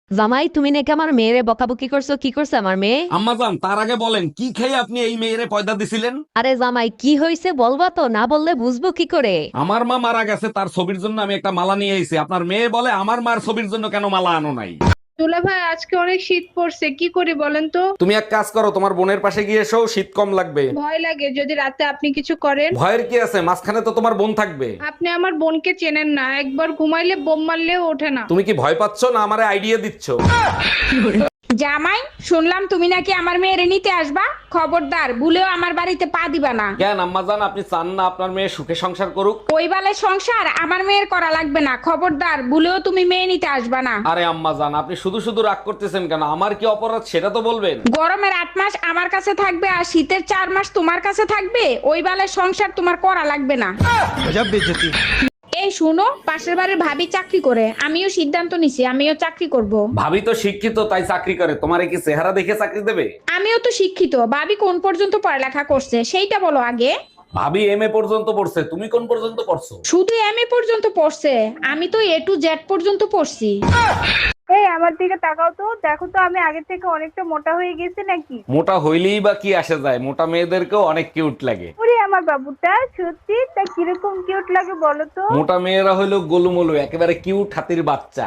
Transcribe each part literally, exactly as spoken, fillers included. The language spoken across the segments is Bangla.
জামাই, তুমি নাকি আমার মেয়েরে বকাবকি করছো? কি করছে আমার মেয়ে? আম্মাজান, তার আগে বলেন কি খেয়ে আপনি এই মেয়েরে পয়দা দিছিলেন? আরে জামাই, কি হয়েছে বলবা তো, না বললে বুঝবো কি করে? আমার মা মারা গেছে, তার ছবির জন্য আমি একটা মালা নিয়ে এসেছি। আপনার মেয়ে বলে আমার মার ছবির জন্য কেন মালা আনো নাই? দুলা ভাই, আজকে অনেক শীত পড়ছে, কি করি বলেন তো? তুমি এক কাজ করো, তোমার বোনের পাশে গিয়ে এসো, শীত কম লাগবে। ভয় লাগে যদি রাতে আপনি কিছু করেন। ভয়ের কি আছে, মাঝখানে তো তোমার বোন থাকবে। আপনি আমার বোনকে চেনেন না, একবার ঘুমাইলে বোম মারলেও ওঠে না। তুমি কি ভয় পাচ্ছ না আমারে আইডিয়া দিচ্ছ? জামাই, শুনলাম তুমি নাকি আমার মেয়েরে নিতে আসবা। খবরদার, ভুলেও আমার বাড়িতে পা দিবা না। কেন আম্মাজান, আপনি চান না আপনার মেয়ে সুখে সংসার করুক? ওই বালের সংসার আমার মেয়ের করা লাগবে না। খবরদার, ভুলেও তুমি মেয়ে নিতে আসবা না। আরে আম্মাজান, আপনি শুধু শুধু রাগ করতেছেন কেন? আমার কি অপরাধ সেটা তো বলবেন। গরমের আট মাস আমার কাছে থাকবে আর শীতের চার মাস তোমার কাছে থাকবে। ওই বালের সংসার তোমার করা লাগবে না। এই শুনো, পাশের বাড়ির ভাবি চাকরি করে, আমিও সিদ্ধান্ত নিছি আমিও চাকরি করব। ভাবি তো শিক্ষিত, তাই চাকরি করে। তোমারে কি চেহারা দেখে চাকরি দেবে? আমিও তো শিক্ষিত, ভাবি কোন পর্যন্ত পড়ালেখা করছে সেইটা বলো আগে। ভাবি এম এ পর্যন্ত পড়ছে, তুমি কোন পর্যন্ত পড়ছো? শুধু এম এ পর্যন্ত পড়ছে, আমি তো এ টু জেড পর্যন্ত পড়ছি। এই আমার দিকে তাকাও তো, দেখো তো আমি আগে থেকে অনেকটা মোটা হয়ে গেছি নাকি? মোটা হইলেই বা কি আসে যায়, মোটা মেয়েদেরকেও অনেক কিউট লাগে। ওরে আমার বাবুটা, সত্যি তা কিরকম কিউট লাগে বলো তো? মোটা মেয়েরা হইলো গোলুমলু, একেবারে কিউট হাতির বাচ্চা।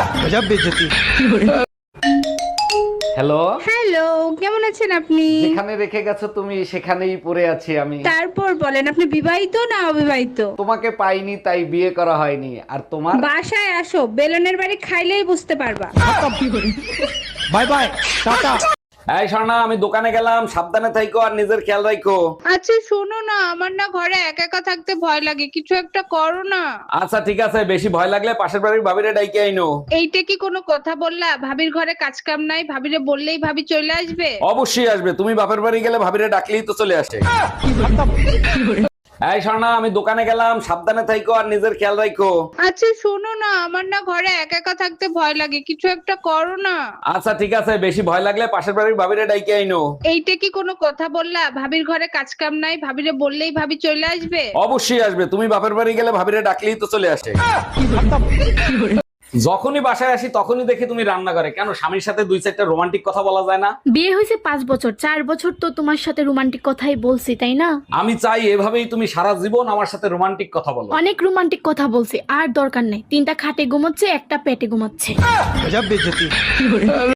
হ্যালো, হ্যালো, কেমন আছেন আপনি? যেখানে রেখে গেছো তুমি সেখানেই পড়ে আছি আমি। তারপর বলেন, আপনি বিবাহিত না অবিবাহিত? তোমাকে পাইনি তাই বিয়ে করা হয়নি। আর তোমার? বাসায় আসো, বেলনের বাড়ি খাইলেই বুঝতে পারবা। Bye bye, tata. এই শোনা, আমি দোকানে গেলাম, সাবধানে থাইকো আর নিজের খেয়াল রাখো। আচ্ছা শোনো না, আমার না ঘরে একা একা থাকতে ভয় লাগে, কিছু একটা করো না। আচ্ছা ঠিক আছে, বেশি ভয় লাগলে পাশের বাড়ির ভাবিরে ডাইকে আইনো। এইটা কি কোনো কথা বললা? ভাবির ঘরে কাজ কাম নাই, ভাবিরে বললেই ভাবি চলে আসবে? অবশ্যই আসবে, তুমি বাপের বাড়ি গেলে ভাবিরে ডাকলেই তো চলে আসে। এই শোনা, আমি দোকানে গেলাম, সাবধানে থাইকো আর নিজের খেয়াল রাখো। আচ্ছা শোনো না, আমার না ঘরে একা একা থাকতে ভয় লাগে, কিছু একটা করো না। আচ্ছা ঠিক আছে, বেশি ভয় লাগলে পাশের বাড়ির ভাবিরে ডাইকে আইনো। এইটা কি কোনো কথা বললা? ভাবির ঘরে কাজ কাম নাই, ভাবিরে বললেই ভাবি চলে আসবে? অবশ্যই আসবে, তুমি বাপের বাড়ি গেলে ভাবিরে ডাকলেই তো চলে আসে। যখনই বাসায় আসি তখনই দেখি তুমি রান্না করে। কেন, স্বামীর সাথে দুই চারটা রোমান্টিক কথা বলা যায় না? বিয়ে হয়েছে পাঁচ বছর, চার বছর তো তোমার সাথে রোমান্টিক কথাই বলছি, তাই না? আমি চাই এভাবেই তুমি সারা জীবন আমার সাথে রোমান্টিক কথা বলো। অনেক রোমান্টিক কথা বলছি, আর দরকার নেই। তিনটা খাটে ঘুমাচ্ছে, একটা পেটে ঘুমাচ্ছে।